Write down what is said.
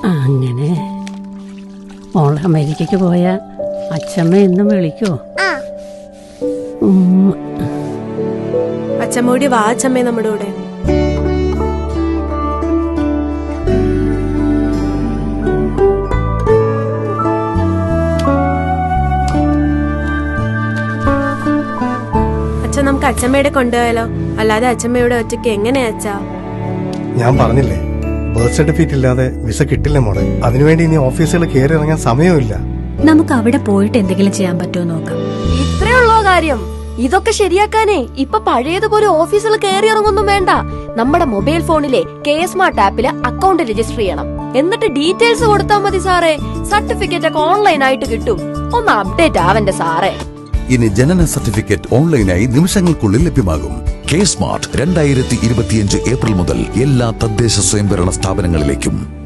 അങ്ങനെ മോള് അമേരിക്കക്ക് പോയ അച്ഛമ്മ എന്നും വിളിക്കോ? അച്ഛമ്മോടി വാ അച്ഛമ്മേ നമ്മുടെ കൂടെ. അച്ഛൻ നമുക്ക് അച്ഛമ്മയുടെ കൊണ്ടുപോയാലോ? അല്ലാതെ അച്ഛമ്മയുടെ ഒറ്റയ്ക്ക് എങ്ങനെയാ അച്ഛാ? ഞാൻ പറഞ്ഞില്ലേ, ബർത്ത് സർട്ടിഫിക്കറ്റ് ഇല്ലാതെ വിസ കിട്ടില്ല മോളെ. അതിനുവേണ്ടി ഇനി ഓഫീസുകൾ കയറി ഇറങ്ങാൻ സമയമില്ല. നമുക്ക് അവിടെ പോയിട്ട് എന്തെങ്കിലും ചെയ്യാൻ പറ്റുമോ നോക്കാം. ഇത്രയുള്ളോ കാര്യം? ഇതൊക്കെ ശരിയാക്കാനേ ഇപ്പൊ പഴയതുപോലെ ഓഫീസിൽ കയറി ഇറങ്ങൊന്നും വേണ്ട. നമ്മുടെ മൊബൈൽ ഫോണിലെ KSmart ആപ്പില് അക്കൗണ്ട് രജിസ്റ്റർ ചെയ്യണം. എന്നിട്ട് ഡീറ്റെയിൽസ് കൊടുത്താൽ മതി സാറേ. സർട്ടിഫിക്കറ്റ് ഒക്കെ ഓൺലൈൻ ആയിട്ട് കിട്ടും. ഒന്ന് അപ്ഡേറ്റ് ആവന്റെ സാറേ. ഇനി ജനന സർട്ടിഫിക്കറ്റ് ഓൺലൈനായി നിമിഷങ്ങൾക്കുള്ളിൽ ലഭ്യമാകും. KSmart 2025 ഏപ്രിൽ മുതൽ എല്ലാ തദ്ദേശ സ്വയംഭരണ സ്ഥാപനങ്ങളിലേക്കും.